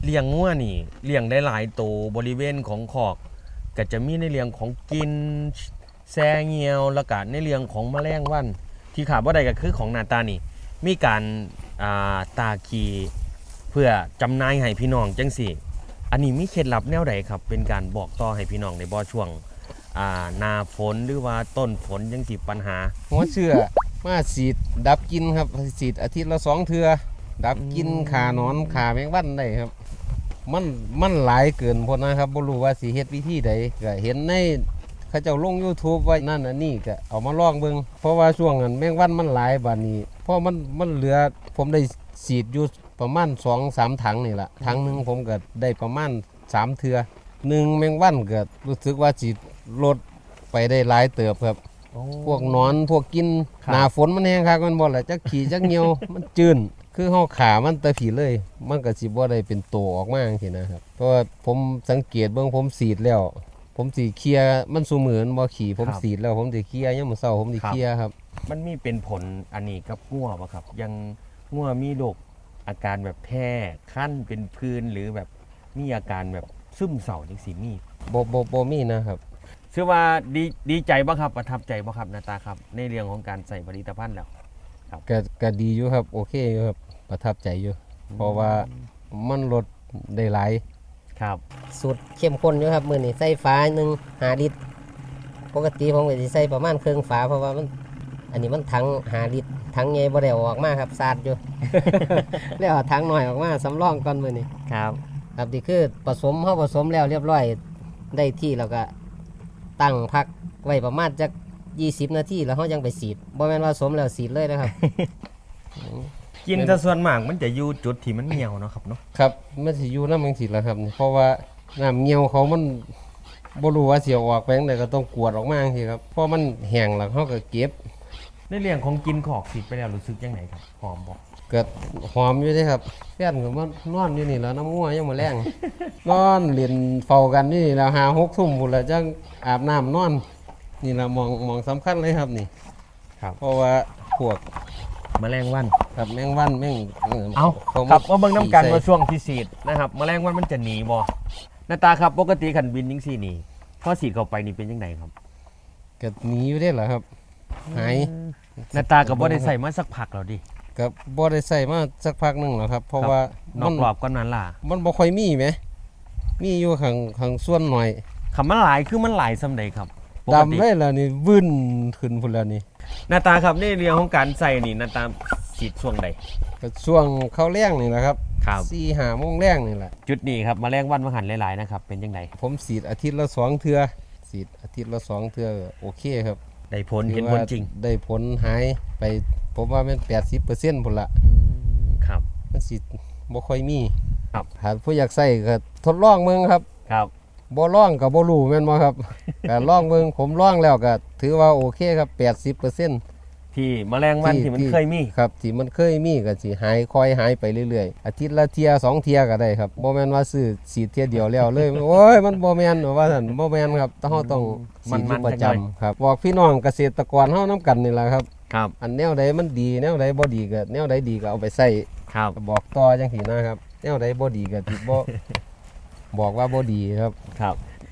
เลี้ยงงัวนี่เลี้ยงได้หลายตัวบริเวณของคอกก็จะมีในเรื่องของกินแซ่เงียวแล้วก็ในเรื่องของแมลงวันที่ขาดบ่ได้ก็คือของหน้าตานี่มีการตาคีเพื่อจำหน่ายให้พี่น้องจังซี่อันนี้มีเคล็ดลับแนวใดครับเป็นการบอกต่อให้พี่น้องในบ่ช่วงหน้าฝนหรือว่าต้นฝนจังสิปัญหาหัวเชื้อมาฉีดดับกินครับฉีดอาทิตย์ละ2 เทื่อดับกินขาหนอนขาแมงวันได้ครับมันหลายเกินพอนะครับบ่รู้ว่าสิเฮ็ดวิธีใดก็เห็นในเขาเจ้าลง YouTube ไว้นั่นอันนี้ก็เอามาลองเบิ่งเพราะว่าช่วงนั้นแมงวันมันหลายบัดนี้เพราะมันเหลือผมได้ฉีดอยู่ประมาณ 2-3 ถังนี่ล่ะถังนึงผมก็ได้ประมาณ3 เทื่อ1แมงวันก็รู้สึกว่าสิลดไปได้หลายเติบครับพวกหนอนพวกกินหน้าฝนมันแห้งคักมันบ่ล่ะจักขี้จักเหี่ยว มันจืนคือเฮาขามันตะผีเลยมันก็สิบ่ได้เป็นโตออกมาจังซี่นะครับเพราะว่าผมสังเกตเบิ่งผมฉีดแล้วผมสิเคลียร์มันซุมื้อบ่ขี้ผมฉีดแล้วผมสิเคลียร์ยามมื้อเช้าผมสิเคลียร์ครับมันมีเป็นผลอันนี้กับงัวบ่ครับยังงัวมีโรคอาการแบบแพ้คั้นเป็นพื้นหรือแบบมีอาการแบบซึมเศร้าจังซี่มีบ่มีนะครับชื่อว่าดีใจบ่ครับประทับใจบ่ครับหน้าตาครับในเรื่องของการใส่ผลิตภัณฑ์แล้วครับก็ดีอยู่ครับโอเคอยู่ครับประทับใจอยู่เพราะว่ามันลดได้หลายครับสูตรเข้มข้นอยู่ครับมื้อนี้ใส่ฝา1 5 ลิตรปกติผมก็สิใส่ประมาณครึ่งฝาเพราะว่ามันอันนี้มันถัง5 ลิตรถังใหญ่บ่ได้ออกมาครับสาดอยู่ แล้วเอาถังน้อยออกมาสำรองก่อนมื้อนี้ครับครับนี่คือผสมแล้วเรียบร้อยได้ที่แล้วก็ตั้งพักไว้ประมาณจัก20 นาทีแล้วเฮายังไปสีดบ่แม่นว่าผสมแล้วสีดเลยนะครับกินแต่ส่วนมากมันจะอยู่จุดที่มันเหี่ยวเนาะครับเนาะครับมันสิอยู่นำจังซี่ล่ะครับเพราะว่าน้ำเหี่ยวเขามันบ่รู้ว่าสิออกไปจังไดก็ต้องกวดออกมาจังซี่ครับเพราะมันแห้งแล้วเฮาก็เก็บในเรื่องของกินขอกสิไปแล้วรู้สึกจังไดครับหอมบ่ก็หอมอยู่เด้ครับแฟนก็มานอนอยู่นี่แล้วน้ำงัวยังบ่แรง นอนเล่นเฝ้ากันนี่แล้ว5-6 ทุ่มพุ่นแล้วจังอาบน้ำนอนนี่ล่ะมองสำคัญเลยครับนี่ครับเพราะว่าพวกแมลงวันครับแมงวันแมงเอาครับมาเบิ่งน้ำกันว่าช่วงที่ฉีดนะครับแมลงวันมันจะหนีบ่หน้าตาครับปกติขันบินจังซี่นี่พอฉีดเข้าไปนี่เป็นจังไดครับก็หนีอยู่ได้เหรอครับหายหน้าตาก็บ่ได้ใส่มาสักพักแล้วดิก็บ่ได้ใส่มาสักพักนึงแล้วครับเพราะว่านอกรอบก็นั้นล่ะมันบ่ค่อยมีแหมมีอยู่ข้างส่วนหน่อยคำมันหลายคือมันหลายส่ำใดครับดำเลยแล้วนี่วื้นขึ้นพุ่นแล้วนี่หน้าตาครับในเรื่องของการใส่นี่หน้าตาฉีดช่วงใดก็ช่วงเข้าแล้งนี่แหละครับ 4-5 โมงแล้งนี่แหละจุดนี้ครับแมลงวันมาหันหลายๆนะครับเป็นจังไดผมฉีดอาทิตย์ละ2 เทื่อฉีดอาทิตย์ละ2 เทื่อโอเคครับได้ผลเห็นผลจริงได้ผลหายไปผมว่ามัน 80% พุ่นละครับมันสิบ่ค่อยมีครับถ้าผู้อยากใส่ก็ทดลองเบิ่งครับครับบ่ลองก็บ่รู้แม่นบ่ครับ ก็ลองเบิ่งผมลองแล้วก็ถือว่าโอเคครับ 80% ที่แมลงวันที่มันเคยมีครับที่มันเคยมีก็สิหายค่อยหายไปเรื่อยๆอาทิตย์ละเที่ย2 เที่ยก็ได้ครับบ่แม่นว่าซื้อฉีดเที่ยเดียวแล้วเลย โอ้ยมันบ่แม่นว่าซั่นบ่แม่นครับเฮาต้องฉีดอยู่ประจำครับบอกพี่น้องเกษตรกรเฮานำกันนี่ล่ะครับครับอันแนวใดมันดีแนวใดบ่ดีก็แนวใดดีก็เอาไปใส่ครับบอกต่อจังซี่นะครับแนวใดบ่ดีก็สิบ่บอกว่าบ่ดีครับครับ